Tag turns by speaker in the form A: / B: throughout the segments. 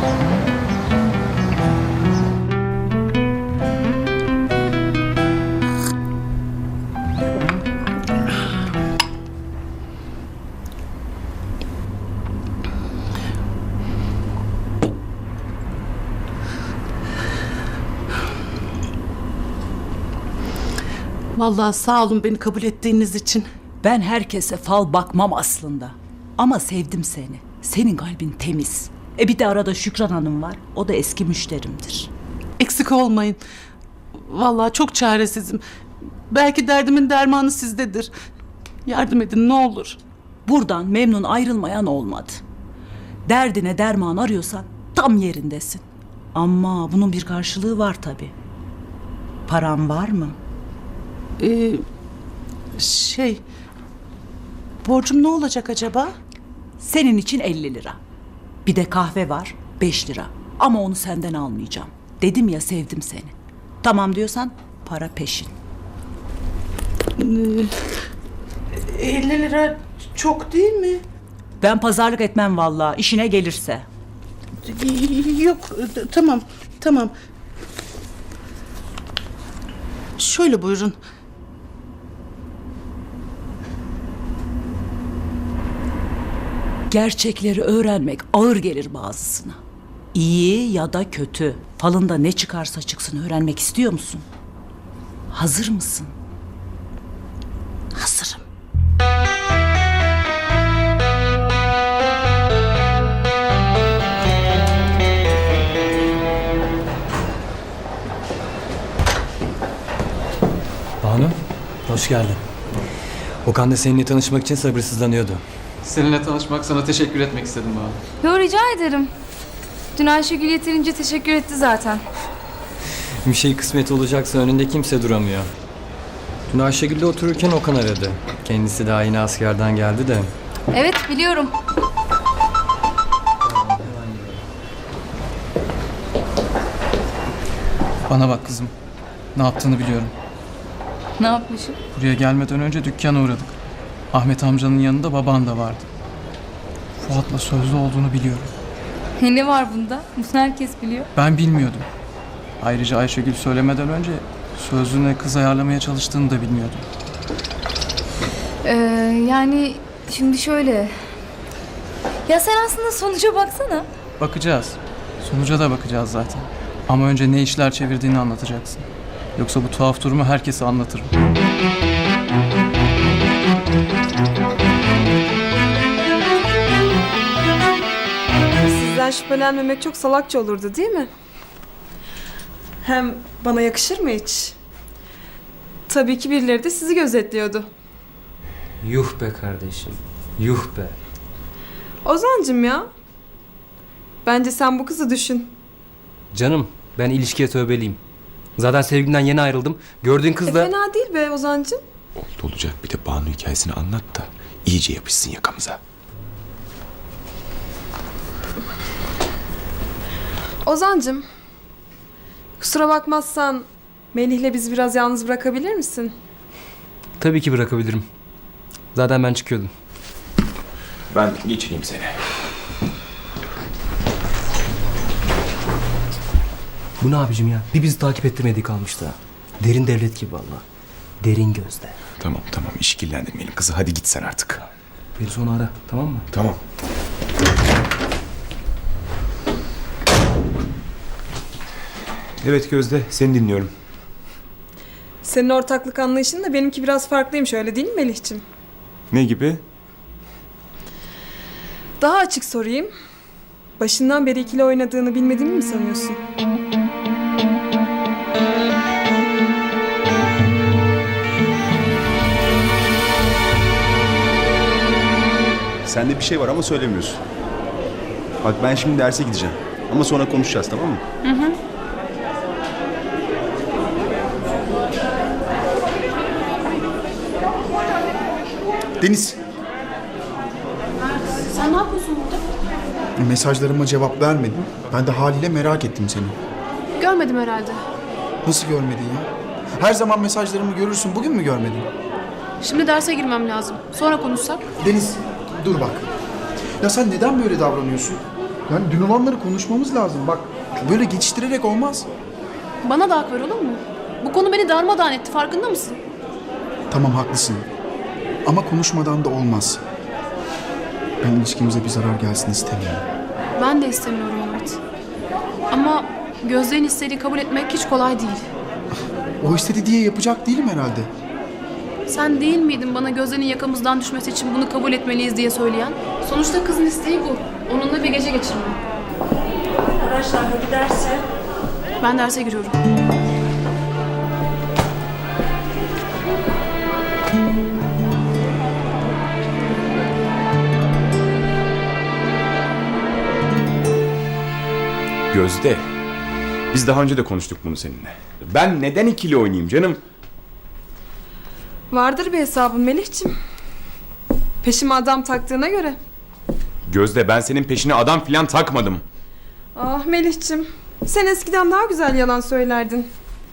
A: Vallahi sağ olun beni kabul ettiğiniz için.
B: Ben herkese fal bakmam aslında. Ama sevdim seni. Senin kalbin temiz. Bir de arada Şükran Hanım var. O da eski müşterimdir.
A: Eksik olmayın. Vallahi çok çaresizim. Belki derdimin dermanı sizdedir. Yardım edin ne olur.
B: Buradan memnun ayrılmayan olmadı. Derdine derman arıyorsan tam yerindesin. Ama bunun bir karşılığı var tabii. Paran var mı?
A: Borcum ne olacak acaba?
B: Senin için 50 lira. Bir de kahve var 5 lira. Ama onu senden almayacağım. Dedim ya sevdim seni. Tamam diyorsan para peşin.
A: 50 lira çok değil mi?
B: Ben pazarlık etmem vallahi işine gelirse.
A: Yok tamam. Şöyle buyurun.
B: Gerçekleri öğrenmek ağır gelir bazısına. İyi ya da kötü, falında ne çıkarsa çıksın öğrenmek istiyor musun? Hazır mısın?
A: Hazırım.
C: Banu, hoş geldin. Okan da seninle tanışmak için sabırsızlanıyordu.
D: Seninle tanışmak, sana teşekkür etmek istedim Banu.
E: Yo, rica ederim. Dün Ayşegül yeterince teşekkür etti zaten.
C: Bir şey kısmet olacaksa önünde kimse duramıyor. Dün Ayşegül'le otururken Okan aradı. Kendisi daha yeni askerden geldi de.
E: Evet, biliyorum.
D: Bana bak kızım, ne yaptığını biliyorum.
E: Ne yapmışım?
D: Buraya gelmeden önce dükkana uğradık. Ahmet amcanın yanında baban da vardı. Fuat'la sözlü olduğunu biliyorum.
E: Ne var bunda? Bunu herkes biliyor.
D: Ben bilmiyordum. Ayrıca Ayşegül söylemeden önce sözlüğüne kız ayarlamaya çalıştığını da bilmiyordum.
E: Yani şimdi şöyle... Ya sen aslında sonuca baksana.
D: Bakacağız. Sonuca da bakacağız zaten. Ama önce ne işler çevirdiğini anlatacaksın. Yoksa bu tuhaf durumu herkese anlatırım.
F: Sizden şüphelenmemek çok salakça olurdu değil mi? Hem bana yakışır mı hiç? Tabii ki birileri de sizi gözetliyordu.
C: Yuh be kardeşim, yuh be.
F: Ozancım ya. Bence sen bu kızı düşün.
G: Canım, ben ilişkiye tövbeliyim. Zaten sevgimden yeni ayrıldım. Gördüğün kız da...
F: Fena değil be Ozancım.
H: Oldu olacak, bir de Banu hikayesini anlat da iyice yapışsın yakamıza.
F: Ozancım. Kusura bakmazsan Melih'le bizi biraz yalnız bırakabilir misin?
G: Tabii ki bırakabilirim. Zaten ben çıkıyordum.
H: Ben geçireyim seni.
G: Bu ne abicim ya? Bir bizi takip ettirmediği kalmıştı ha. Derin devlet gibi valla. Derin gözde.
H: Tamam işkillendirmeyelim kızı, hadi git sen artık.
G: Beni sonra ara, tamam mı?
H: Tamam. Evet Gözde, seni dinliyorum.
F: Senin ortaklık anlayışın da benimki biraz farklıymış, öyle değil mi Melih'ciğim?
H: Ne gibi?
F: Daha açık sorayım. Başından beri ikili oynadığını bilmediğimi mi sanıyorsun?
I: Sende bir şey var ama söylemiyorsun. Bak ben şimdi derse gideceğim. Ama sonra konuşacağız, tamam mı? Hı. Deniz.
J: Sen ne yapıyorsun burada?
I: Mesajlarıma cevap vermedin. Ben de haliyle merak ettim seni.
J: Görmedim herhalde.
I: Nasıl görmedin ya? Her zaman mesajlarımı görürsün. Bugün mü görmedin?
J: Şimdi derse girmem lazım. Sonra konuşsak.
I: Deniz, dur bak. Ya sen neden böyle davranıyorsun?
K: Yani dün olanları konuşmamız lazım. Bak böyle geçiştirerek olmaz.
J: Bana da hak ver olur mu? Bu konu beni darmadağın etti, farkında mısın?
K: Tamam haklısın. Ama konuşmadan da olmaz. Ben ilişkimize bir zarar gelsin istemiyorum.
J: Ben de istemiyorum Mert. Ama Gözde'nin istediği kabul etmek hiç kolay değil.
K: O istedi diye yapacak değilim herhalde.
J: Sen değil miydin bana Gözde'nin yakamızdan düşmesi için bunu kabul etmeliyiz diye söyleyen? Sonuçta kızın isteği bu. Onunla bir gece geçirme.
B: Arkadaşlar hadi derse.
J: Ben derse giriyorum.
H: Gözde. Biz daha önce de konuştuk bunu seninle. Ben neden ikili oynayayım canım?
F: Vardır bir hesabın Melih'ciğim. Peşime adam taktığına göre.
H: Gözde, ben senin peşine adam filan takmadım.
F: Ah Melih'ciğim. Sen eskiden daha güzel yalan söylerdin.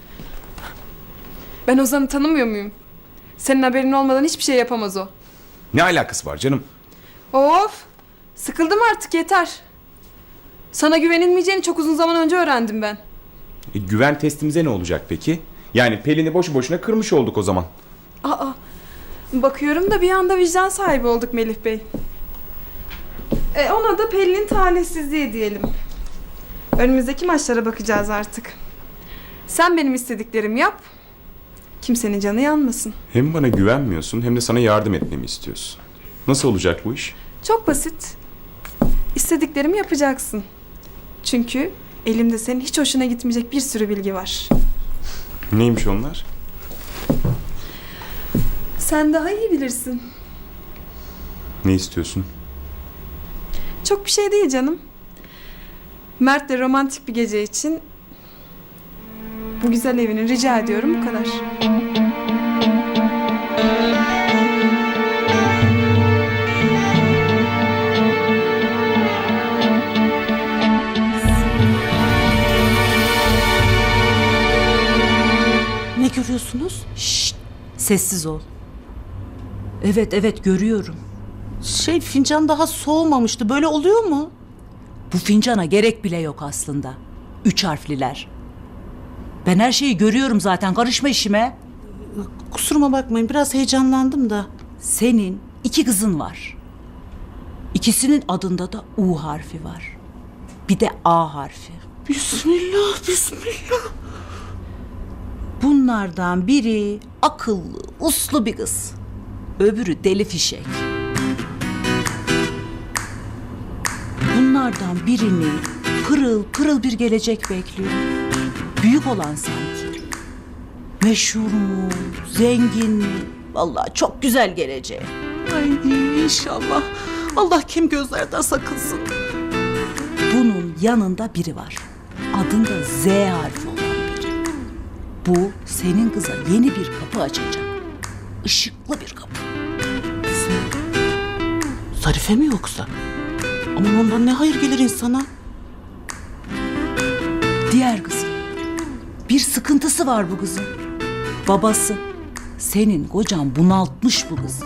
F: Ben Ozan'ı tanımıyor muyum? Senin haberin olmadan hiçbir şey yapamaz o.
H: Ne alakası var canım?
F: Of! Sıkıldım artık, yeter. Sana güvenilmeyeceğini çok uzun zaman önce öğrendim ben.
H: Güven testimize ne olacak peki? Yani Pelin'i boşu boşuna kırmış olduk o zaman.
F: Aa! Bakıyorum da bir anda vicdan sahibi olduk Melih Bey. Ona da Pelin'in talihsizliği diyelim. Önümüzdeki maçlara bakacağız artık. Sen benim istediklerimi yap. Kimsenin canı yanmasın.
H: Hem bana güvenmiyorsun hem de sana yardım etmemi istiyorsun. Nasıl olacak bu iş?
F: Çok basit. İstediklerimi yapacaksın. Çünkü elimde senin hiç hoşuna gitmeyecek bir sürü bilgi var.
H: Neymiş onlar?
F: Sen daha iyi bilirsin.
H: Ne istiyorsun?
F: Çok bir şey değil canım. Mert'le romantik bir gece için bu güzel evini rica ediyorum, bu kadar.
A: Ne görüyorsunuz?
B: Şşt, sessiz ol. Evet görüyorum.
A: Fincan daha soğumamıştı. Böyle oluyor mu?
B: Bu fincana gerek bile yok aslında. 3 harfliler. Ben her şeyi görüyorum zaten, karışma işime.
A: Kusuruma bakmayın, biraz heyecanlandım da.
B: Senin 2 kızın var. İkisinin adında da U harfi var. Bir de A harfi.
A: Bismillah, bismillah.
B: Bunlardan biri akıllı, uslu bir kız. Öbürü deli fişek. Bunlardan birini pırıl pırıl bir gelecek bekliyor. Büyük olan sanki. Meşhur mu, zengin mi? Vallahi çok güzel geleceği.
A: Ay inşallah. Allah kim gözlerden sakınsın.
B: Bunun yanında biri var. Adında Z harfi olan biri. Bu senin kıza yeni bir kapı açacak. Işıklı bir kapı.
A: Zarife mi yoksa? Aman ondan ne hayır gelir insana?
B: Diğer kızın. Bir sıkıntısı var bu kızın. Babası. Senin kocan bunaltmış bu kızı.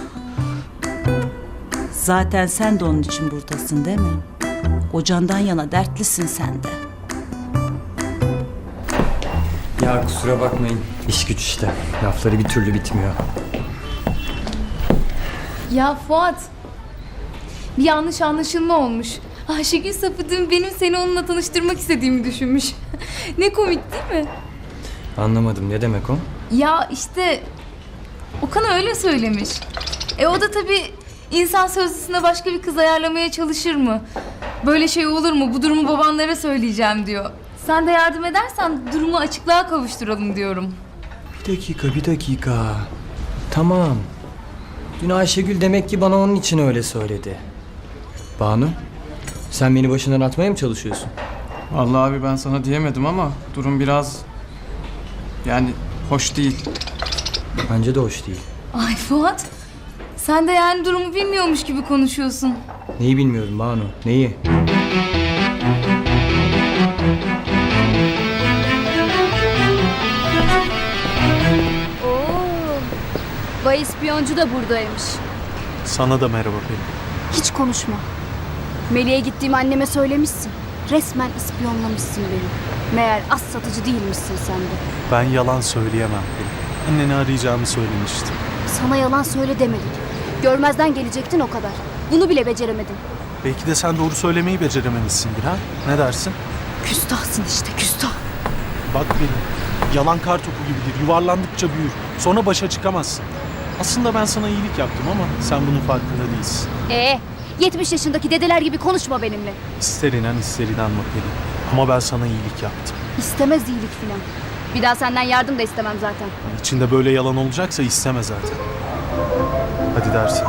B: Zaten sen de onun için buradasın değil mi? Kocandan yana dertlisin sen de.
C: Ya kusura bakmayın. İş güç işte. Lafları bir türlü bitmiyor.
E: Ya Fuat, bir yanlış anlaşılma olmuş. Ayşegül Sapıdın benim seni onunla tanıştırmak istediğimi düşünmüş. Ne komik değil mi?
C: Anlamadım, ne demek o?
E: Ya işte Okan öyle söylemiş. O da tabii insan sözlüsüne başka bir kız ayarlamaya çalışır mı? Böyle şey olur mu? Bu durumu babanlara söyleyeceğim diyor. Sen de yardım edersen durumu açıklığa kavuşturalım diyorum.
C: Bir dakika. Tamam. Dün Ayşegül demek ki bana onun için öyle söyledi. Banu, sen beni başından atmaya mı çalışıyorsun?
D: Vallahi abi ben sana diyemedim ama durum biraz... Yani hoş değil.
C: Bence de hoş değil.
E: Ay Fuat, sen de yani durumu bilmiyormuş gibi konuşuyorsun.
C: Neyi bilmiyorum Banu, neyi?
E: Bay ispiyoncu da buradaymış.
K: Sana da merhaba Pelin.
J: Hiç konuşma.
L: Melih'e gittiğimi anneme söylemişsin. Resmen ispiyonlamışsın beni. Meğer az satıcı değilmişsin sen de.
M: Ben yalan söyleyemem Pelin. Anneni arayacağımı söylemiştim.
L: Sana yalan söyle demedik. Görmezden gelecektin o kadar. Bunu bile beceremedin.
M: Belki de sen doğru söylemeyi becerememişsindir ha? Ne dersin?
L: Küstahsın işte, küstah.
M: Bak Pelin, yalan kar topu gibidir. Yuvarlandıkça büyür. Sonra başa çıkamazsın. Aslında ben sana iyilik yaptım ama sen bunun farkında değilsin.
L: 70 yaşındaki dedeler gibi konuşma benimle.
M: İster inan ister inanma Pelin. Ama ben sana iyilik yaptım.
L: İstemez iyilik filan. Bir daha senden yardım da istemem zaten.
M: İçinde böyle yalan olacaksa isteme zaten. Hadi dersen.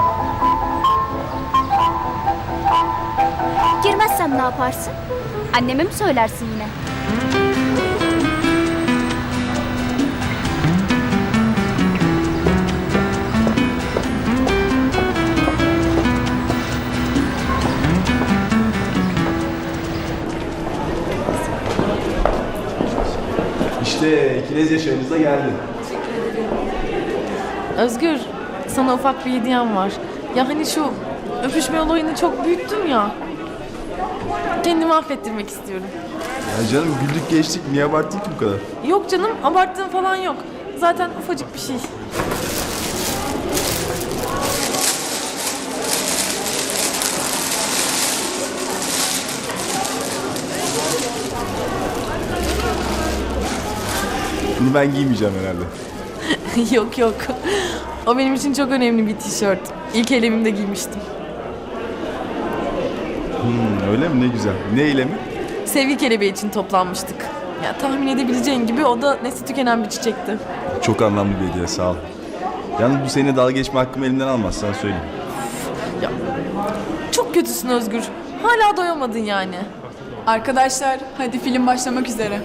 L: Girmezsem ne yaparsın? Anneme mi söylersin yine?
I: İşte Kinez yaşamımıza geldi.
N: Özgür, sana ufak bir hediyem var. Ya hani şu öpüşme olayını çok büyüttüm ya. Kendimi affettirmek istiyorum.
I: Ya canım güldük geçtik. Niye abarttın ki bu kadar?
N: Yok canım, abarttığım falan yok. Zaten ufacık bir şey.
I: Bunu ben giymeyeceğim herhalde.
N: Yok yok. O benim için çok önemli bir tişört. İlk elemimde giymiştim.
I: Öyle mi? Ne güzel. Ne eylemi?
N: Sevgi kelebeği için toplanmıştık. Ya tahmin edebileceğin gibi o da nesli tükenen bir çiçekti.
I: Çok anlamlı bir hediye, sağ ol. Yalnız bu seni dalga geçme hakkımı elimden almaz, sana söyleyeyim.
N: Ya çok kötüsün Özgür. Hala doyamadın yani.
J: Arkadaşlar hadi film başlamak üzere.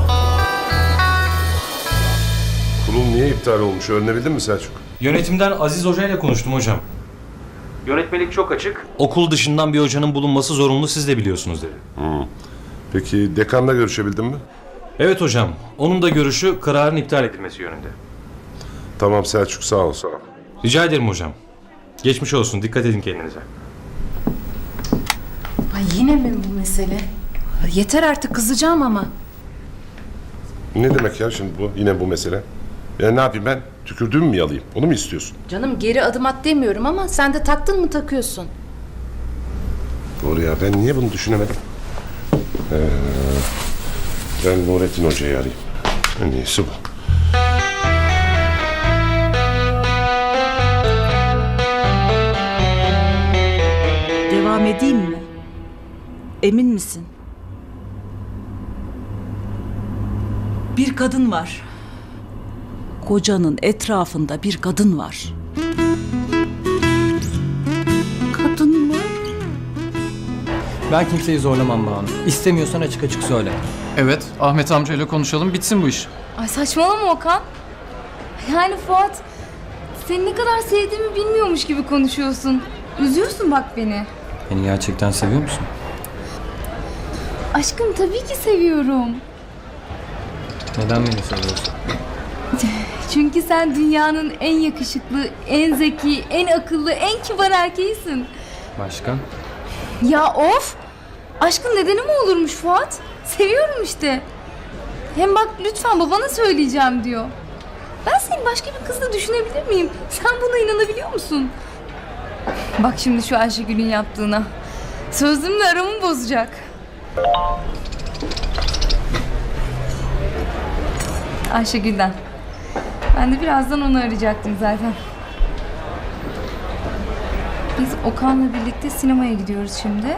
O: Kurul niye iptal olmuş öğrenebildin mi Selçuk?
C: Yönetimden Aziz Hoca ile konuştum hocam. Yönetmelik çok açık. Okul dışından bir hocanın bulunması zorunlu, siz de biliyorsunuz dedi.
O: Peki dekanla görüşebildin mi?
C: Evet hocam. Onun da görüşü kararın iptal edilmesi yönünde.
O: Tamam Selçuk, sağ ol.
C: Rica ederim hocam. Geçmiş olsun. Dikkat edin kendinize.
J: Ay yine mi bu mesele? Yeter artık, kızacağım ama.
O: Ne demek ya şimdi bu? Yine bu mesele. Ya ne yapayım ben? Tükürdüğümü mü yalayayım? Onu mu istiyorsun?
J: Canım geri adım at demiyorum ama sen de taktın mı takıyorsun.
O: Doğru ya, ben niye bunu düşünemedim? Ben Nurettin Hoca'yı arayayım. En iyisi bu.
B: Devam edeyim mi? Emin misin? Bir kadın var. Kocanın etrafında bir kadın var.
A: Kadın mı?
C: Ben kimseyi zorlamam Banu. İstemiyorsan açık açık söyle.
D: Evet, Ahmet amcayla konuşalım, bitsin bu iş.
E: Ay saçmalama Okan. Yani Fuat, seni ne kadar sevdiğimi bilmiyormuş gibi konuşuyorsun. Üzüyorsun bak beni.
C: Beni gerçekten seviyor musun?
E: Aşkım tabii ki seviyorum.
C: Neden beni seviyorsun?
E: Çünkü sen dünyanın en yakışıklı, en zeki, en akıllı, en kibar erkeğisin.
C: Başka?
E: Ya of! Aşkın nedeni mi olurmuş Fuat? Seviyorum işte. Hem bak lütfen babana söyleyeceğim diyor. Ben seni başka bir kızla düşünebilir miyim? Sen buna inanabiliyor musun? Bak şimdi şu Ayşegül'ün yaptığına. Sözlümle aramı bozacak. Ayşegül'den. Ben de birazdan onu arayacaktım zaten. Biz Okan'la birlikte sinemaya gidiyoruz şimdi.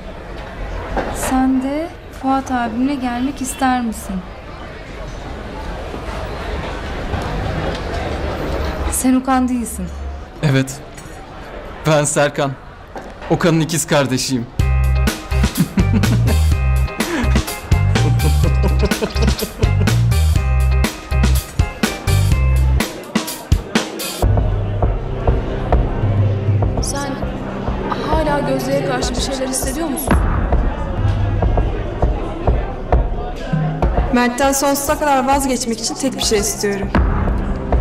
E: Sen de Fuat abimle gelmek ister misin? Sen Okan değilsin.
D: Evet, ben Serkan. Okan'ın ikiz kardeşiyim.
J: Sen hala Gözde'ye karşı bir şeyler hissediyor musun?
F: Mert'ten sonsuza kadar vazgeçmek için tek bir şey istiyorum.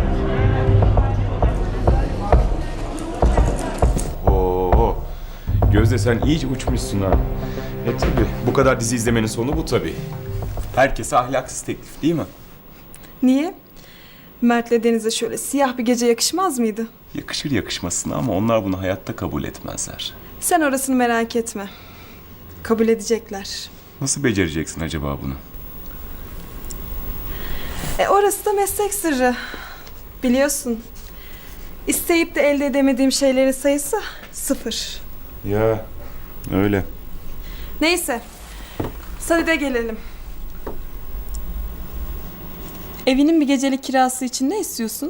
O: Oo,
H: Gözde sen iyice uçmuşsun ha. Tabii bu kadar dizi izlemenin sonu bu tabii. Herkese ahlaksız teklif değil mi?
F: Niye? Mert'le Deniz'e şöyle siyah bir gece yakışmaz mıydı?
H: Yakışır yakışmasına ama onlar bunu hayatta kabul etmezler.
F: Sen orasını merak etme. Kabul edecekler.
H: Nasıl becereceksin acaba bunu?
F: Orası da meslek sırrı. Biliyorsun. İsteyip de elde edemediğim şeylerin sayısı 0.
H: Ya öyle.
F: Neyse. Sadede gelelim. Evinin bir gecelik kirası için ne istiyorsun?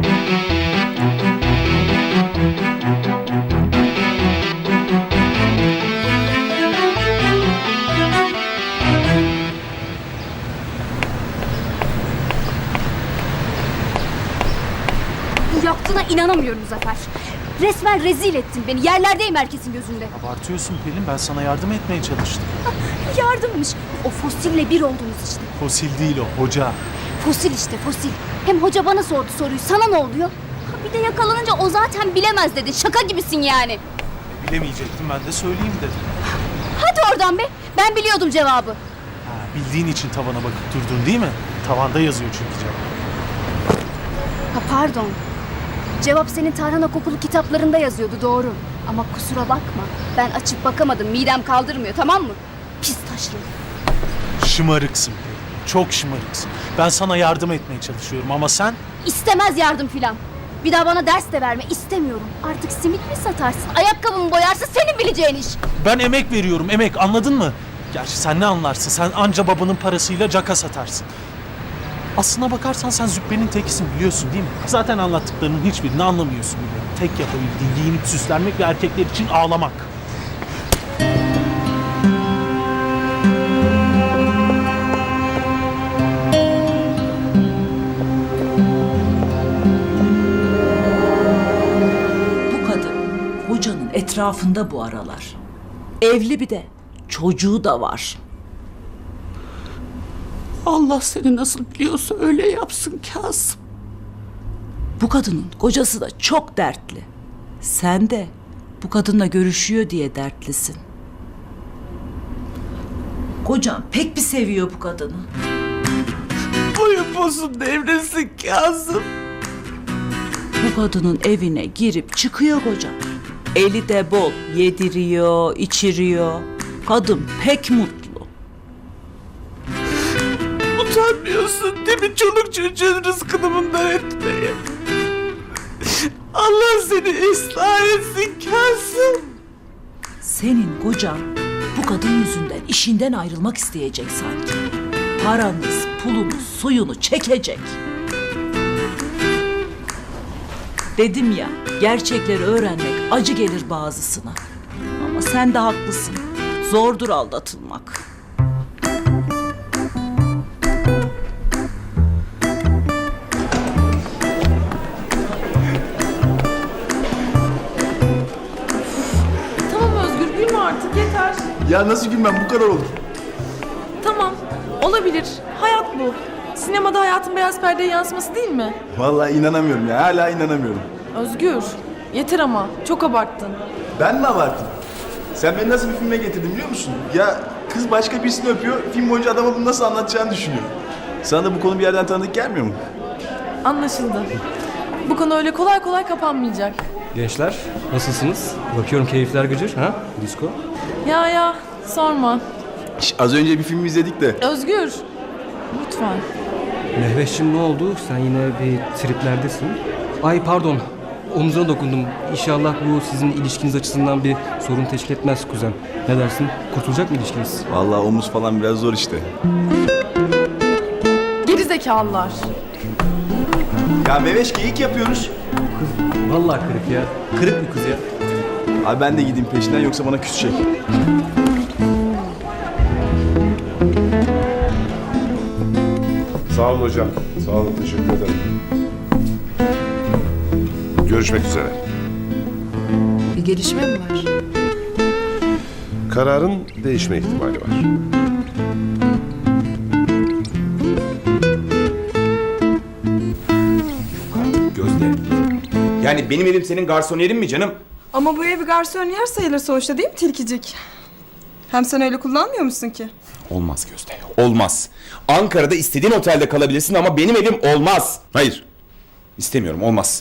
L: Bu yaptığına inanamıyorum Zafer. Resmen rezil ettin beni. Yerlerdeyim herkesin gözünde.
M: Abartıyorsun Pelin, ben sana yardım etmeye çalıştım.
L: Yardımmış. O fosille bir oldunuz işte.
M: Fosil değil o, hoca.
L: Fosil işte fosil. Hem hoca bana sordu soruyu. Sana ne oluyor? Ha, bir de yakalanınca o zaten bilemez dedi. Şaka gibisin yani.
M: Bilemeyecektim, ben de söyleyeyim dedim.
L: Hadi oradan be. Ben biliyordum cevabı.
M: Bildiğin için tavana bakıp durdun değil mi? Tavanda yazıyor çünkü cevap.
L: Ha pardon. Cevap senin tarhana kokulu kitaplarında yazıyordu doğru. Ama kusura bakma. Ben açıp bakamadım. Midem kaldırmıyor tamam mı? Pis taşlı.
M: Şımarıksın Pelin, çok şımarıksın. Ben sana yardım etmeye çalışıyorum ama sen...
L: İstemez yardım filan. Bir daha bana ders de verme istemiyorum. Artık simit mi satarsın? Ayakkabımı boyarsın senin bileceğin iş.
M: Ben emek veriyorum, emek, anladın mı? Gerçi sen ne anlarsın? Sen anca babanın parasıyla caka satarsın. Aslına bakarsan sen züppenin tekisin biliyorsun değil mi? Zaten anlattıklarının hiçbirini anlamıyorsun bile. Tek yapabildiğin giyinip süslenmek ve erkekler için ağlamak.
B: Bu kadın hocanın etrafında bu aralar. Evli bir de çocuğu da var.
A: Allah seni nasıl biliyorsa öyle yapsın Kasım.
B: Bu kadının kocası da çok dertli. Sen de bu kadınla görüşüyor diye dertlisin. Kocan pek bir seviyor bu kadını.
A: Boyun posun devresin Kasım.
B: Bu kadının evine girip çıkıyor kocan. Eli de bol, yediriyor, içiriyor. Kadın pek mutlu.
A: Utanmıyorsun değil mi çoluk çocuğun rızkını bundan etmeye? Allah seni ıslah etsin Kasım.
B: Senin kocan bu kadın yüzünden işinden ayrılmak isteyecek sanki. Paranız, pulunuz, suyunu çekecek. Dedim ya, gerçekleri öğrenmek acı gelir bazısına. Ama sen de haklısın. Zordur aldatılmak.
N: Tamam Özgür gülme artık yeter.
K: Ya nasıl gülmem, bu kadar olur.
N: Tamam olabilir. Hayat bu. Sinemada hayatın beyaz perdeye yansıması değil mi?
K: Vallahi inanamıyorum ya, hala inanamıyorum.
N: Özgür yeter ama çok abarttın.
K: Ben mi abarttım? Sen beni nasıl bir filme getirdin biliyor musun? Ya kız başka birisini öpüyor, film boyunca adama bunu nasıl anlatacağını düşünüyor. Sana da bu konu bir yerden tanıdık gelmiyor mu?
N: Anlaşıldı. Bu konu öyle kolay kolay kapanmayacak.
G: Gençler nasılsınız? Bakıyorum keyifler gıcır ha? Disko.
N: Ya sorma.
K: Az önce bir film izledik de.
N: Özgür lütfen.
G: Mehveş'cim ne oldu? Sen yine bir triplerdesin. Ay pardon. Omzuna dokundum. İnşallah bu sizin ilişkiniz açısından bir sorun teşkil etmez kuzen. Ne dersin? Kurtulacak mı ilişkiniz?
K: Vallahi omuz falan biraz zor işte.
N: Gerizekalılar.
K: Ya Meveş geyik yapıyoruz.
G: Kız vallahi kırık ya. Kırık bir kız ya.
K: Abi ben de gideyim peşinden yoksa bana küsecek.
O: Sağ olun hocam. Sağ olun, teşekkür ederim. Görüşmek üzere.
J: Bir gelişme mi var?
O: Kararın değişme ihtimali var.
H: Gözde. Yani benim elim senin garsoniyerin mi canım?
F: Ama bu ev bir garson yer sayılır sonuçta değil mi tilkicik? Hem sen öyle kullanmıyor musun ki?
H: Olmaz Gözde, olmaz. Ankara'da istediğin otelde kalabilirsin ama benim evim olmaz. Hayır, istemiyorum, olmaz.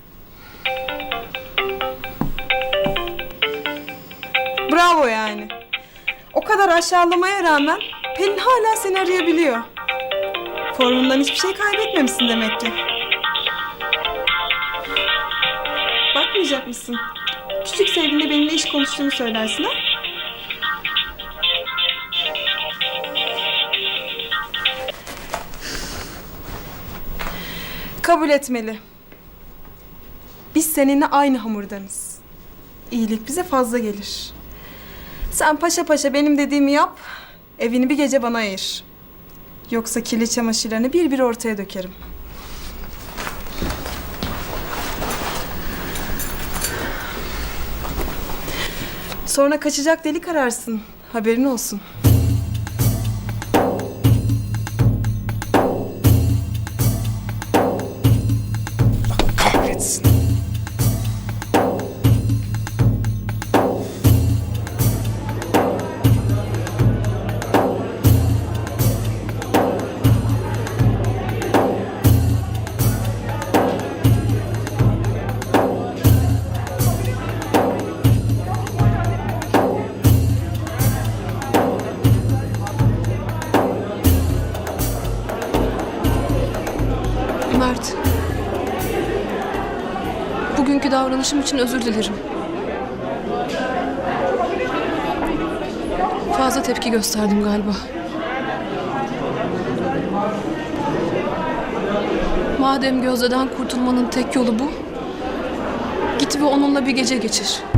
F: Bravo yani. O kadar aşağılamaya rağmen Pelin hala seni arayabiliyor. Formundan hiçbir şey kaybetmemişsin demek ki. Bakmayacak mısın? Küçük sevgiline benimle iş konuştuğunu söylersin ha? Kabul etmeli. Biz seninle aynı hamurdanız. İyilik bize fazla gelir. Sen paşa paşa benim dediğimi yap, evini bir gece bana ayır. Yoksa kirli çamaşırlarını bir bir ortaya dökerim. Sonra kaçacak delik ararsın. Haberin olsun.
H: Kahretsin.
J: Mert. Bugünkü davranışım için özür dilerim. Fazla tepki gösterdim galiba. Madem Gözde'den kurtulmanın tek yolu bu, git ve onunla bir gece geçir.